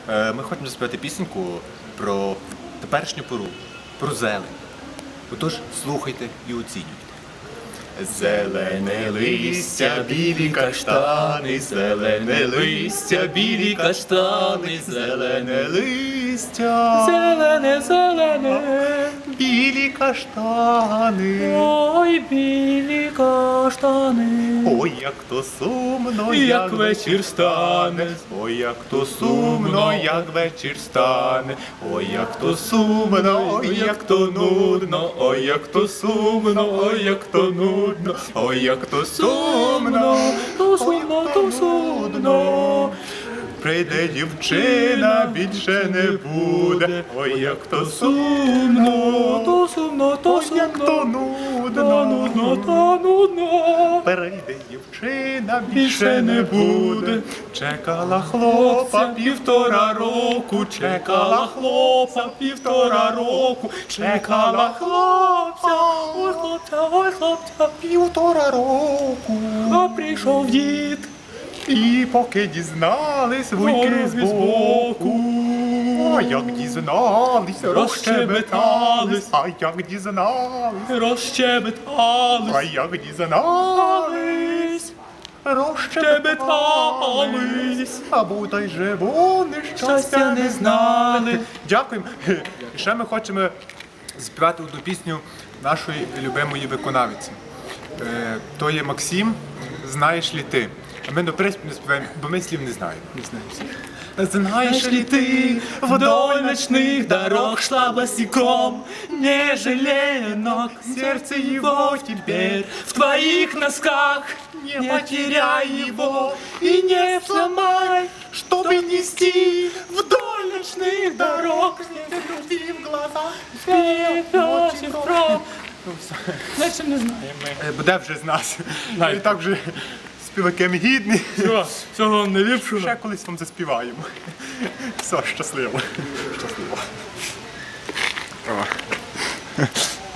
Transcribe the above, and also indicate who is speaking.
Speaker 1: Ми хочемо заспівати пісеньку про теперішню пору, про зелень. Отож, слухайте і оцінюйте. Зелене листя, білі каштани, зелене листя, білі каштани, зелене листя,
Speaker 2: Зелене, зелене,
Speaker 1: білі каштани.
Speaker 2: ой, білі каштани.
Speaker 1: Ой, як то сумно,
Speaker 2: Як вечір стане.
Speaker 1: Ой, як то сумно, як вечір стане. Ой, як то сумно, ой, як то нудно. Ой, як то сумно, ой, як то нудно. Ой, як то сумно,
Speaker 2: То сумно, то сумно.
Speaker 1: Прийде дівчина, більше не буде. Ой, як то сумно,
Speaker 2: То сумно, то
Speaker 1: ой, як то
Speaker 2: сумно. Та нудно,
Speaker 1: нудно.
Speaker 2: та нудно.
Speaker 1: Перейде дівчина, більше не буде. Чекала хлопа півтора року, чекала хлопа півтора року, чекала хлопця,
Speaker 2: Ой, хлопця, ой, хлопця.
Speaker 1: півтора року.
Speaker 2: А прийшов дід.
Speaker 1: І поки дізнались вуйки збоку, а як дізнались, розщебетались, а як дізнались, а
Speaker 2: Розщебетались.
Speaker 1: як дізнались, розщебетались, а бодай же вони щастя не знали. Дякуємо. І ще ми хочемо співати одну пісню нашої любимої виконавиці. То є Максим, «Знаєш ли ти?». А ми до приспіву не співаємо, бо ми слів не знаємо. Знаешь ли ты, вдоль ночных дорог шла босиком, не жалея ног, сердце его теперь в твоих носках. Не потеряй его и не сломай, чтобы нести вдоль ночных дорог. Не груди в глазах,
Speaker 2: Співочі впрок. Наче не знаємо ми.
Speaker 1: буде вже з нас. І так вже співаки ми гідні.
Speaker 2: Всього вам найліпшого.
Speaker 1: Ще колись вам заспіваємо. Все, щасливо. Щасливо.